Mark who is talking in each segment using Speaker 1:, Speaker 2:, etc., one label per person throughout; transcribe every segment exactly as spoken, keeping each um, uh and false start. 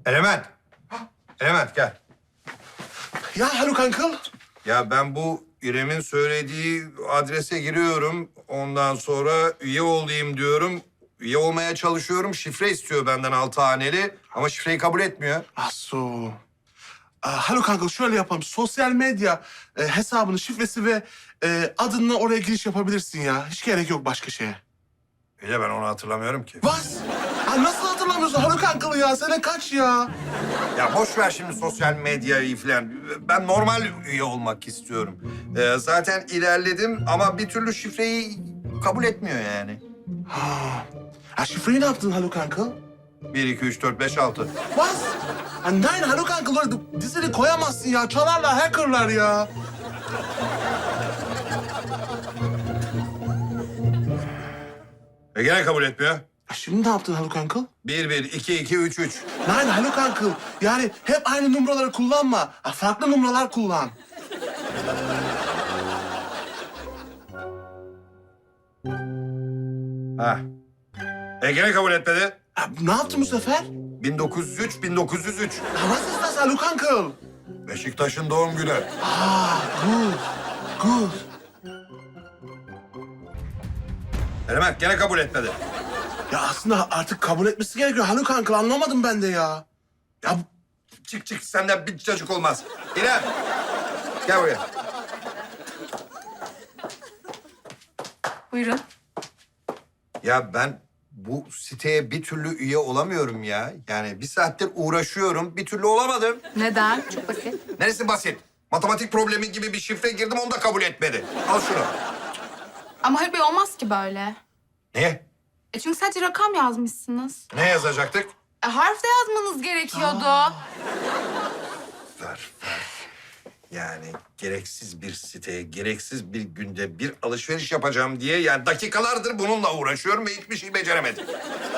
Speaker 1: Element. Element gel.
Speaker 2: Ya Haluk Uncle.
Speaker 1: Ya ben bu İrem'in söylediği adrese giriyorum. Ondan sonra üye olayım diyorum. Üye olmaya çalışıyorum. Şifre istiyor benden altı haneli. Ama şifreyi kabul etmiyor.
Speaker 2: Asu. Aa, Haluk Uncle şöyle yapalım. Sosyal medya e, hesabının şifresi ve e, adınla oraya giriş yapabilirsin ya. Hiç gerek yok başka şeye.
Speaker 1: İyi de ben onu hatırlamıyorum ki.
Speaker 2: Bas. Aa, nasıl hatırlamıyorsun Haluk Uncle ya? Sene kaç ya?
Speaker 1: Ya boş ver şimdi sosyal medyayı falan. Ben normal üye olmak istiyorum. Ee, zaten ilerledim ama bir türlü şifreyi kabul etmiyor yani.
Speaker 2: Ha. Ha, şifreyi ne yaptın Haluk Uncle?
Speaker 1: Bir, iki, üç, dört, beş, altı.
Speaker 2: Bas. Ha, nein Haluk Uncle öyle dizini koyamazsın ya. Çalarlar, hackerlar ya.
Speaker 1: E gene kabul etmiyor.
Speaker 2: Ha, şimdi ne yaptın Haluk Uncle?
Speaker 1: Bir, bir, iki, iki, üç, üç.
Speaker 2: Nein Haluk Uncle. Yani hep aynı numaraları kullanma. Ha, farklı numaralar kullan.
Speaker 1: Ha. E gene kabul etmedi.
Speaker 2: Ha, ne yaptın bu sefer?
Speaker 1: bin dokuz yüz üç, bin dokuz yüz üç.
Speaker 2: Ha, was ist das Haluk Uncle?
Speaker 1: Beşiktaş'ın doğum günü.
Speaker 2: Ah, gut, gut.
Speaker 1: Element gene kabul etmedi.
Speaker 2: Ya aslında artık kabul etmesi gerekiyor Haluk Uncle. Anlamadım ben de ya.
Speaker 1: Ya çık çık senden bir çocuk olmaz. İrem. Gel buraya.
Speaker 3: Buyurun.
Speaker 1: Ya ben bu siteye bir türlü üye olamıyorum ya. Yani bir saattir uğraşıyorum, bir türlü olamadım.
Speaker 3: Neden? Çok basit.
Speaker 1: Neresi basit? Matematik problemi gibi bir şifre girdim, onu da kabul etmedi. Al şunu.
Speaker 3: Ama Haluk Bey olmaz ki böyle.
Speaker 1: Niye?
Speaker 3: E çünkü sadece rakam yazmışsınız.
Speaker 1: Ne yazacaktık?
Speaker 3: E harf de yazmanız gerekiyordu.
Speaker 1: Ver, ver. Yani gereksiz bir siteye, gereksiz bir günde bir alışveriş yapacağım diye... ...yani dakikalardır bununla uğraşıyorum ve hiçbir şey beceremedim.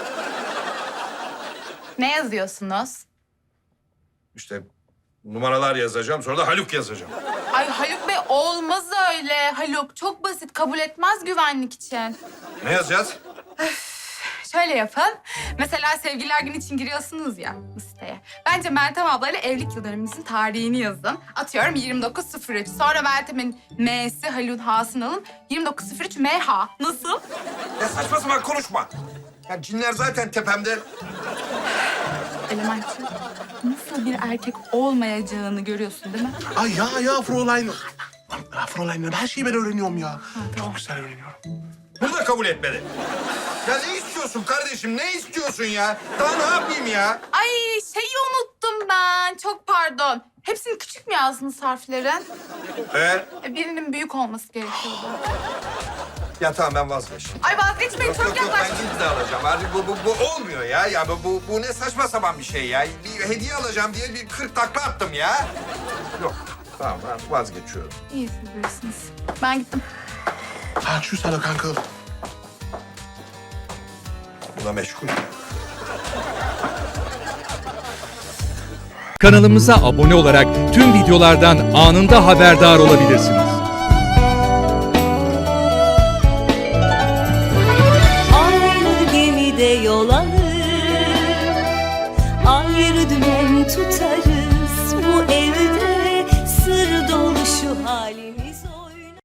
Speaker 3: Ne yazıyorsunuz?
Speaker 1: İşte numaralar yazacağım, sonra da Haluk yazacağım.
Speaker 3: Ay Haluk Bey olmaz öyle. Haluk çok basit, kabul etmez güvenlik için.
Speaker 1: Ne yazacağız?
Speaker 3: Şöyle yapın. Mesela sevgililer günü için giriyorsunuz ya bu siteye. Bence Meltem ablayla evlilik yıl dönümünüzün tarihini yazın. Atıyorum yirmi dokuz sıfır üç. Sonra Meltem'in M'si, Haluk'un H'sını alın. yirmi dokuz sıfır üç M H. Nasıl?
Speaker 1: Ya saçma sapan konuşma. Ya cinler zaten tepemde.
Speaker 3: Elementçi, nasıl bir erkek olmayacağını görüyorsun değil mi?
Speaker 2: Ay ya ya Fräulein. Ya Fräulein her şeyi ben öğreniyorum ya.
Speaker 3: tamam.
Speaker 2: Çok güzel öğreniyorum.
Speaker 1: Bunu da kabul etmedi. Ya ne istiyorsun kardeşim? Ne istiyorsun ya? Daha ne yapayım ya?
Speaker 3: Ay şeyi unuttum ben. Çok pardon. Hepsini küçük mü yazdınız harflerin?
Speaker 1: Ee?
Speaker 3: E, birinin büyük olması gerekiyordu.
Speaker 1: Ya tamam ben vazgeçtim.
Speaker 3: Ay vazgeçmeyin,
Speaker 1: Yok
Speaker 3: çok
Speaker 1: yok yok ben
Speaker 3: yaklaştınız.
Speaker 1: gidip de alacağım. Artık bu, bu, bu olmuyor ya. Ya bu, bu, bu ne saçma sapan bir şey ya. Bir hediye alacağım diye bir kırk takla attım ya. Yok tamam ben vazgeçiyorum.
Speaker 3: İyi siz bilirsiniz. Ben gittim.
Speaker 2: Ha tschüss Haluk Uncle.
Speaker 1: Bu da meşgul.
Speaker 4: Kanalımıza abone olarak tüm videolardan anında haberdar olabilirsiniz.